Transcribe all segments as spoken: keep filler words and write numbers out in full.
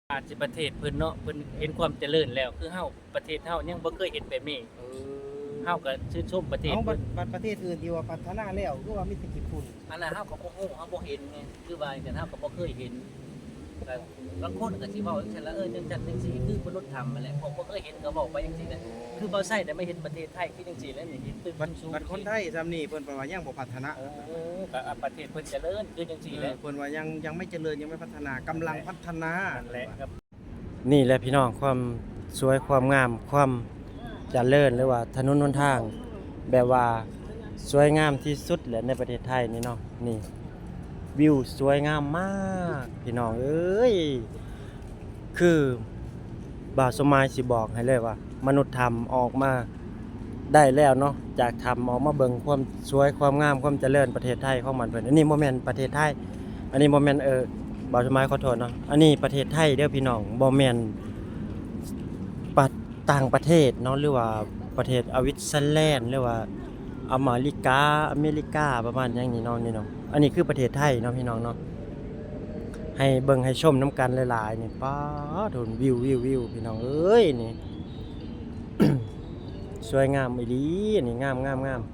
อาจสิประเทศเพิ่นเนาะเพิ่นเห็นความเจริญแล้วคือเฮาประเทศเฮายังบ่เคยเห็นแบบนี้เอเฮาก็ชื่นชมประเทศเอาบัเพิ่ดนบัดประเทศอื่นที่ว่าพัฒนาแล้วคือว่ามีแต่ญี่ปุ่นอันนั้นเฮาก็บ่ฮู้เฮาบ่เห็นไงคือว่าจังเฮาก็บ่เคยเห็นก็บางคนก็สิเว้าจังซั่นละเออจังซั่นจังซี่คือมนุษย์ทำนั่นแหละผมบ่เคยเห็นก็เว้าไปจังซี่แหละคือบ่ใช่แต่ไม่เห็นประเทศไทยคือจังซี่แล้วนี่เห็นตึกบัดสูงๆบัดคนไทยซำนี่เพิ่นว่ายังบ่พัฒนาโอ้ก็อ่ะประเทศเพิ่นเจริญคือจังซี่แหเอละอเพิ่นว่ายังยังไม่เจริญยังไม่พัฒนากำลังพัฒนานั่นแหละครับนี่แหละพี่น้องความสวยความงามความเจริญหรือว่าถนนหนทาง แบบว่าสวยงามที่สุดแหละในประเทศไทยนี่เนาะนี่วิวสวยงามมากพี่น้องเอ้ยคือบ่าวสมัยสิบอกให้เลยว่า มนุษย์ทำออกมาได้แล้วเนาะจากทำออกมาเบิ่งความสวยความงามความเจริญประเทศไทยของมันเพิ่นอันนี้บ่แม่นประเทศไทยอันนี้บ่แม่นเออบ่าวสมัยขอโทษเนาะอันนี้ประเทศไทยเด้อพี่น้องบ่แม่นปะต่างประเทศเนาะหรือว่าประเทศอวิสเซอร์แลนด์หรือว่าอเมริกาอเมริกาประมาณอย่างนี้เนาะนี่เนาะอันนี้คือประเทศไทยเนาะพี่น้องเนาะให้เบิ่งให้ชมน้ำกันหลายๆนี่ป๊าดโดนวิววิววิวพี่น้องเอ้ยนี่ สวยงามอีหลีนี่งามงามงาม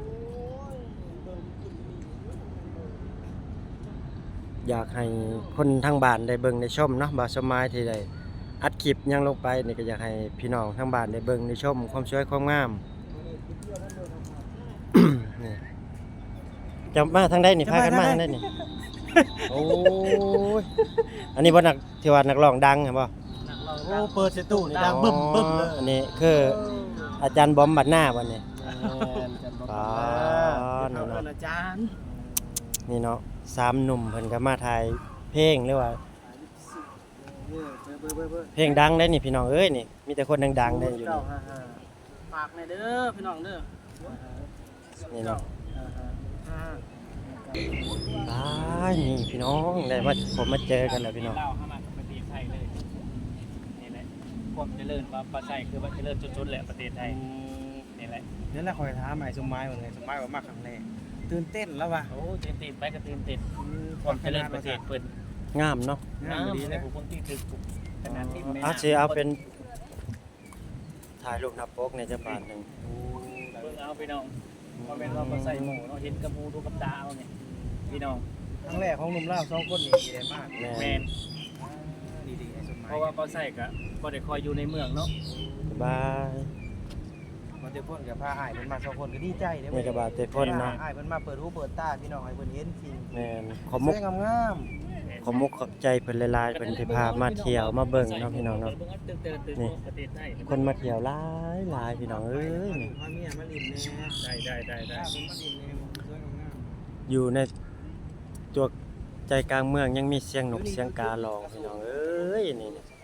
อยากให้คนทางบ้านได้เบิ่งได้ชมเนาะบ่าวสมัยที่ได้อัดคลิปหยังลงไปนี่ก็อยากให้พี่น้องทางบ้านได้เบิ่งได้ชมความสวยความงาม นี่จะมาทางใดนี่พากันมาทางใดนี่ โอ้ยอันนี้บ่นักที่ว่านักร้องดังเห็นบ่นักร้องโอ้ดังเปิดสตูนี่ดังบึ้มบึ้มเลยอันนี้คืออาจารย์บอมบัดหน้าวันนี้อ๋อนี่เนาะเนาะอาจารย์นี่เนาะสามหนุ่มเพิ่นก็มาถ่ายเพลงหรือว่าเออเบอร์เบอร์เบอร์เพลงดังได้นี่พี่น้องเอ้ยนี่มีแต่คนดังๆได้อยู่นี่ฝากหน่อยเด้อพี่น้องเด้อนี่เนาะอ่าตายนี่พี่น้องได้มาผมมาเจอกันแล้วพี่น้องเล่าเข้ามาประเทศไทยเลยนี่แหละความเจริญว่าประเทศไทยคือว่าเจริญสุดๆแหละประเทศไทยนี่แหละนั่นแหละคอยถามไอ้สมหมายว่าไงสมหมายว่ามาครั้งแรกตื่นเต้นแล้วว่ะโอ้ตื่นเต้นไปก็ตื่นเต้นความเจริญประเทศเพิ่นงามเนาะงามดีในนะผู้คนที่ถึกขนาดที่แม่อาจสิเอาเป็นถ่ายรูปหน้าปกในจังหวัดหนึงเบิ่งเอาพี่น้องบ่แม่นว่าบ่ใส่หมูเนาะเห็นกับหมูดูกับตาเอานี่พี่น้องครั้งแรกของหนุ่มลาวสองคนนี่ดีได้มากแม่แม่นดีดีๆไอ้สมหมายเพราะว่าบ่ใส่ก็บ่ได้คอยอยู่ในเมืองเนาะสบายมันเตพ่นกับพาอ้ายเพิ่นมาสองคนก็ดีใจเด้นี่ก็บาดเตพ่นเนาะอ้ายเพิ่นมาเปิดหูเปิดตาพี่น้องให้เพิ่นเห็นจริงแม่นขอมุกสวยงามขอมุกขอบใจเพิ่นหลายๆเพิ่นที่พามาเที่ยวมาเบิ่งเนาะพี่น้องเนาะเบิ่งเอาตึกๆตึกๆประเทศไทยคนมาเที่ยวหลายหลายพี่น้องๆเอ้ยนี่พาเมียมาลินแน่ได้ได้ได้ได้ถ้าเพิ่นมาลินแน่สวยงามอยู่ในตัวใจกลางเมืองยังมีเสียงนกเสียงการ้องพี่น้องเอ้ยนี่นี่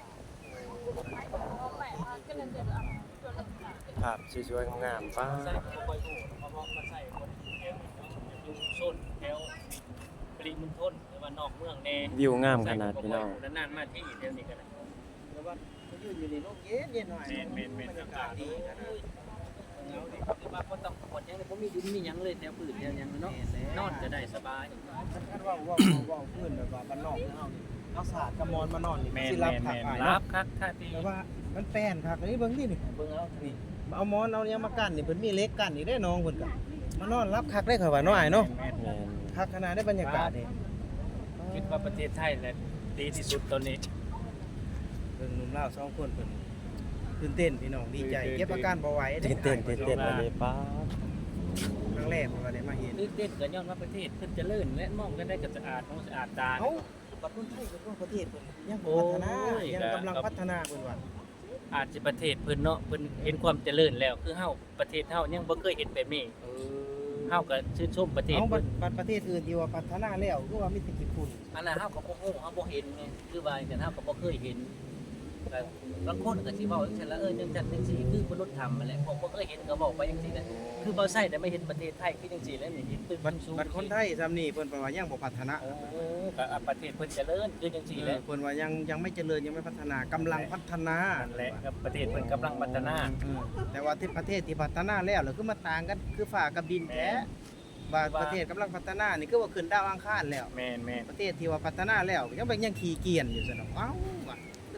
ภาพสวยๆงามๆป้าใส่ก็บ่ค่อยถูกเพราะว่ามาใส่คนแถวอยู่โซนแถวปริมณฑลหรือว่านอกเมืองแน่วิวงามขนาดพี่น้องนานๆมาที่เดี๋ยวนี้ก็ได้ๆแล้วว่าเขายืนอยู่นี่ร่มเย็นเย็นหน่อยแม่นแม่นแม่นบรรยากาศดีขนาดเอาดิคือว่าบ่ต้องกดหยังเลยบ่มีดินมีหยังเลยแถวพื้นแถวหยังเนาะนอนก็ได้สบายคันว่าว่าว่าพื้นแบบว่าบ้านนอกเฮานี่เอาสาดกระมอนมานอนนี่แม่นสิรับแม่นผักแม่นอ้ายรัเนาะบคักท่าที่แต่ว่ามันแป้นคักอันนี้เบิ่งนี่นี่เบิ่งเอานี่เอาหมอนเอาหยังมากั้นนี่เพิ่นมีเหล็กกั้นอีกได้น้องเพิ่นก็มานอนรับคักได้เขาว่าน้อยเนาะแม่นแม่นคักขนาดได้บรรยากาศนี่ๆคิดว่าประเทศไทยแหละดีที่สุดตอนนี้เบิ่งหนุ่มลาวสองคนเพิ่นตื่นเต้นพี่น้องดีใจเก็บอาการบ่ไหวตื่นเต้นตื่นเต้นมาเลยป้าครั้งแรกผมก็ได้มาเห็นตื่นเต้นก็ย้อนว่าประเทศเพิ่นเจริญและมองกันได้ก็สะอาดมองสะอาดตาเอ้าบัดคนไทยก็ประเทศเพิ่นยังบ่พัฒนาโอ้ยยังกำลังพัฒนาเพิ่นว่าอาจสิประเทศเพิ่นเนาะเพิ่นเห็นความเจริญแล้วคือเฮาประเทศเฮายังบ่เคยเห็นแบบนี้เฮาก็ชื่นชมประเทศเอาบัเพิ่ดนบัดประเทศอื่นที่ว่าพัฒนาแล้วคือว่ามีแต่ญี่ปุ่นอันนั้นเฮาก็บ่ฮู้เฮาบ่เห็นไงคือว่าจังเฮาก็บ่เคยเห็นก็บางคนก็สิเว้าจังซั่นละเออจังซั่นจังซี่คือมนุษย์ทำนั่นแหละผมบ่เคยเห็นก็เว้าไปจังซี่แหละคือบ่ใช่แต่ไม่เห็นประเทศไทยคือจังซี่แล้วนี่เห็นตึกบัดสูงๆบัดคนไทยซำนี่เพิ่นว่ายังบ่พัฒนาโอ้ก็อ่ะประเทศเพิ่นเจริญคือจังซี่แหละเพิ่นว่ายังยังไม่เจริญยังไม่พัฒนากำลังพัฒนานั่นแหละครับประเทศเพิ่นกำลังพัฒนาอืมแต่ว่าที่ประเทศที่พัฒนาแล้วแล้วคือมาต่างกันคือฟ้ากับดินแท้ว่าประเทศกำลังพัฒนานี่คือว่าขึ้นดาวอังคารแล้วแม่นแม่นประเทศที่ว่าพัฒนาแล้วยังเป็นยังขี้เกียจอยู่ซะเนาะเอ้าว่ะ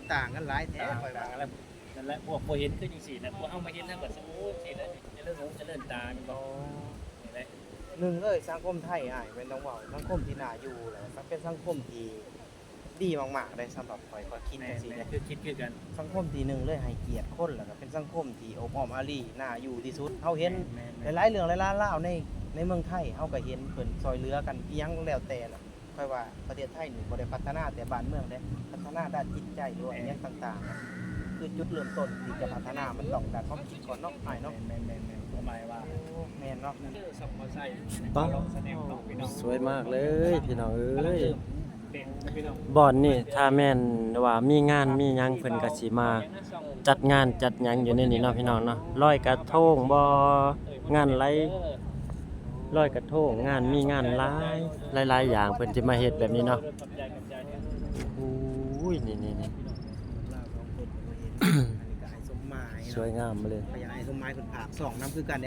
ต่างกันหลายแท้ข่อยต่าว่างๆแล้วนั่นแหละพวกบ่เห็นคือจังซี่นะพวกเฮามาเห็นทางก็สิโอ้สิแล้วจะเลื่อนหูจะเลื่อนตาแม่นบ่นี่แหละหนึ่งเลยสังคมไทยอ้ายเป็นต้องเว้าสังคมที่น่าอยู่แหละสังเป็นสังคมที่ดีมากๆเลยสำหรับข่อยข่อยคิดแม่จังซี่แม่นะคือคิดคือกันสังคมที่หนึ่งเลยให้เกียรติคนแล้วก็เป็นสังคมที่อบอ้อมอารีน่าอยู่ที่สุดเฮาเห็นแม่หลายๆเรื่องหลายๆราวในในเมืองไทยเฮาก็เห็นเพิ่นซอยเหลือกันอีหยังแล้วแต่ล่ะค่อยว่าประเทศไทยนี่บ่ได้พัฒนาแต่บ้านเมืองเด้พัฒนาด้านจิตใจด้วยอหยังต่างๆอะคือจุดเริ่มต้นที่จะพัฒนามันต้องการความคิดก่อนเนาะอ้ายเนาะแม่นแม่นแม่นหมายว่าแม่นเนาะคือสมบ่ใส่ป๊าลองแสดงน้องพี่น้องสวยมากเลยพี่น้องเอ้ยเป็นพี่น้องบ่อนนี่ถ้าแม่นว่ามีงานมีหยังเพิ่นก็สิมาจัดงานจัดหยังอยู่ในนี้เนาะพี่น้องเนาะลอยกระทงบ่งานไรลอยกระทงงานมีงานหลายหลายๆอย่างเพิ่นสิมาเฮ็ดแบบนี้เนาะโอ้ยนี่ๆลาวสองคนก็เห็นอันนี้ก็ไอ้สมหมายๆสวยงามมาเลยพยานไอ้สมหมายเพิ่นภาคสองนำคือกันเด้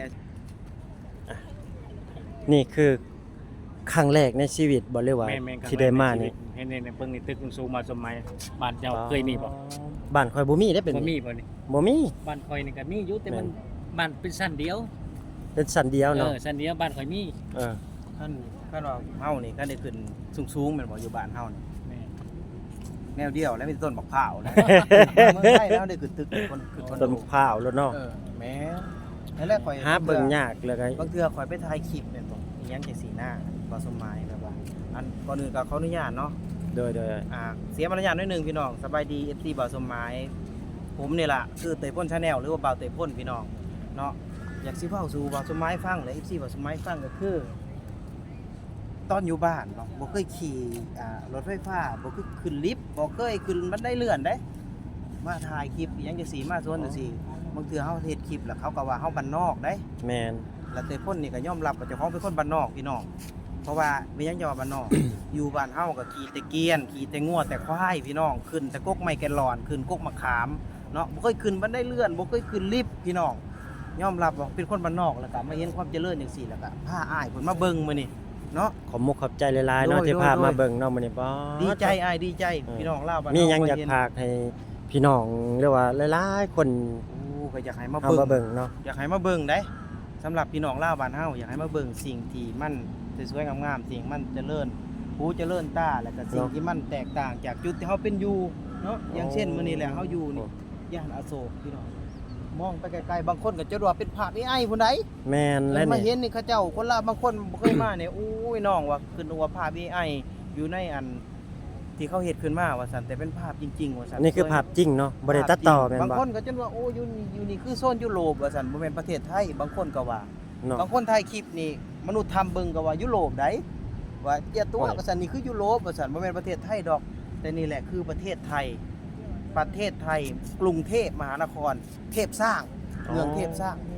นี่คือครั้งแรกในชีวิตบ่เลยว่าแม่นแม่นที่ได้มานี่เห็นในเบิ่งนี่ตึกสูงมาสมัยบ้านเจ้าเคยมีบ่บ้านข่อยบ่มีได้เป็นบ่มีบ่นี่บ่มีบ้านข่อยนี่ก็มีอยู่แต่มันแม่บ้านเป็นชั้นเดียวเป็นสันเดียวเอเนาะอชั้นเดียวบ้านข่อยมีเออท่านท่านว่าเฮานี่ก็ได้ขึ้นสูงๆแม่นบ่อยู่บ้านเฮานี่แม่แนวเดียวแล้วมีต้นบักพร้าวนะ เมืองไทยแล้วได้ขึ้นตึกคนขึ้นคอนต้นโดพร้าวแล้วเนาะเออแม่นั่นแหละข่อยหาเบิ่งยากเลยไงบางเทื่อข่อยไปถ่ายคลิปแม่นบ่อีหยังจังสีหน้าบ่สมหมายแบบว่าอันก่อนอื่นก็ขออนุญาตเนาะโดยโดยอ่าเสียมารยาทหนิดนึงพี่น้องสบายดี เอฟ ซี บ่าวสมหมายผมนี่ล่ะคือเตยพ่น Channel หรือว่าบ่าวเตยพ่นพี่น้องเนาะอยากสิเว้าสู่บ่าวสมหมายฟังและ เอฟ ซี บ่าวสมหมายฟังก็คือ ตอนอยู่บ้านเนาะบ่เคยขี่อ่ารถไฟฟ้าบ่เคยขึ้นลิฟต์บ่เคยขึ้นบันไดเลื่อนเด้มาถ่ายคลิปอหยังจังซี่มาสวนจังซี่บางเทื่อเฮาเฮ็ดคลิปแล้วเขาก็ว่าเฮาบ้านนอกเด้แมนแล้วเตยพ่นนี่ก็ยอมรับว่าเจ้าของเป็นคนบ้านนอกพี่น้องเพราะว่าไม่ยังจะว่าบ้านนอก อยู่บ้านเฮาก็ขี่แต่เกวียนขี่แต่งัวแต่ควายพี่น้องขึ้นแต่กกไม้แกนหลอนขึ้นกกมะขามเนาะบ่เคยขึ้นบันไดเลื่อนบ่เคยขึ้นลิฟต์พี่น้องยอมรับว่าเป็นคนบ้านนอกแล้วก็มาเห็นความเจริญจังซี่แล้วก็พาอ้ายเพิ่นมาเบิ่งมื้อนี้เนาะขอบมุกขอบใจหลายๆเนาะโดยที่พาโดยมาเบิ่งเนาะมื้อนี้บ่ดีใจอ้ายดีใจพี่น้องลาวบ้านมีเฮาหยังอยากเห็นฝากให้พี่น้องเรียกว่าหลายๆคนโอ้ก็อยากให้มาเอาเบิ่งมาเบิ่งเนาะอยากให้มาเบิ่งได้สำหรับพี่น้องลาวบ้านเฮาอยากให้มาเบิ่งสิ่งที่มันสวยๆงามๆสิ่งมันเจริญหูเจริญตาแล้วก็สิ่งที่มันแตกต่างจากจุดที่เฮาเป็นอยู่เนาะอย่างเช่นมื้อนี้แหละเฮาอยู่นี่ย่านอโศกพี่น้องมองไปไกลๆบางคนก็จะว่าเป็นภาพ เอ ไอ พุ่นใดแม่นและแล้วมาเห็นี่นนี่เขาเจ้าคนลาวบางคนบ่เคยมาเนี่ยโอ้ยน้องว่าขึ้นว่าภาพ เอ ไอ อยู่ในอันที่เขาเฮ็ดขึ้นมาว่าซั่นแต่เป็นภาพจริงๆว่าซั่นนี่คือภาพจริงเนาะบ่ได้ตัดต่อแม่นบางบ่คนก็จนว่าโอ้อยู่นี่อยู่นี่คือโซนยุโรปว่าซั่นบ่แม่นประเทศไทยบางคนก็ว่าเนาะบางคนถ่ายคลิปนี่มนุษย์ทำเบิ่งก็ว่ายุโรปได้ว่าเจียตัวโอ้ยว่าซั่นนี่คือยุโรปว่าซั่นบ่แม่นประเทศไทยดอก แต่นี่แหละคือประเทศไทย ประเทศไทยกรุงเทพมหานคร เทพสร้างเมืองเทพสร้างโอ้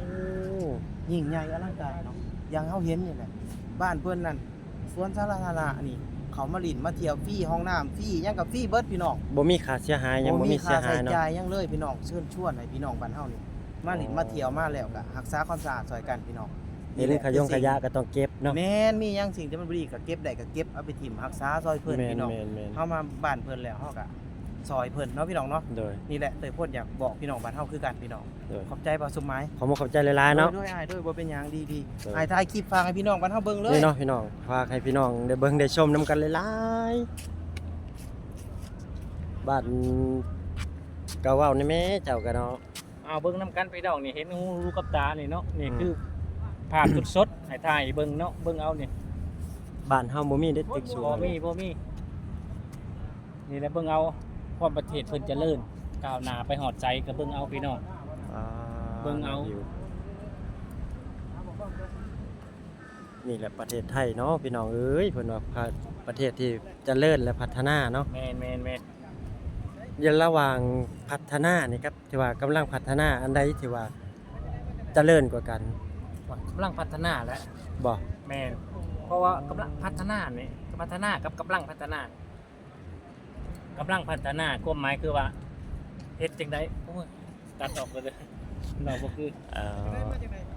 ยิ่งใหญ่อลังการเนาะอย่างเฮาเห็นนี่แหละบ้านเพิ่นนั่นสวนสาธารณะนี่เขามาลินมาเที่ยวฟรีห้องน้ำฟรีหยังกับฟรีเบิดพี่น้องบ่มีค่าเสียหายหยังบ่มีเสียหายค่าใช้เนาะจ่ายหยังเลยพี่น้องเชิญชวนให้พี่น้องบ้านเฮานี่มาลินมาเที่ยวมาแล้วก็รักษาความสะอาดซอยกันพี่น้องนี่เรื่องขยงขยะก็ต้องเก็บเนาะแม่นมีหยังสิ่งที่มันบ่ดีก็เก็บได้ก็เก็บเอาไปถิ่มรักษาซอยเพิ่นแม่นพี่น้องแม่นแม่นเฮามาบ้านเพิ่นแล้วเฮาก็ซอยเพิ่นเนาะพี่น้องเนาะโดยนี่แหละเตยโพดอยากบอกพี่น้องบ้านเฮาคือกันพี่น้องโดยขอบใจบ่าวสมหมายขอมุกขอบใจหลายๆเนาะด้วยอ้ายด้วยบ่เป็นหยังดีเออๆอ้ายถ่ายคลิปฝากให้พี่น้องบ้านเฮาเบิ่งเลยนี่เนาะพี่น้องฝากให้พี่น้องได้เบิ่งได้ชมนํกันหลายๆบ้านก็เว้านี่แม่เจ้าก็เนาะเอาเบิ่งนํกันพี่น้องนี่เห็นหูรู้กับตานี่เนาะนี่คือภาพสดๆให้ถ่ายเบิ่งเนาะเบิ่งเอานี่บ้านเฮาบ่มีเด็ดตึกสูงบ่มีบ่มีนี่แหละเบิ่งเอาความประเทศเพิ่นเจริญก้าวหน้าไปฮอดใจก็เบิ่งเอาพี่น้องอ่าเบิ่งเอานี่แหละประเทศไทยเนาะพี่น้องเอ้ยเพิ่นว่าประเทศที่เจริญและพัฒนาเนาะแม่นแม่นแม่นอย่าระหว่างพัฒนานี่ครับที่ว่ากำลังพัฒนาอันใดที่ว่าเจริญกว่ากันกำลังพัฒนาแล้วบ่แม่นเพราะว่ากำลังพัฒนานี่พัฒนากับกำลังพัฒนากำลังพัฒนาความหมายคือว่าเฮ็ดจังได๋โอ้ยตัดออกไปเลยเราบ่คือเอ่อ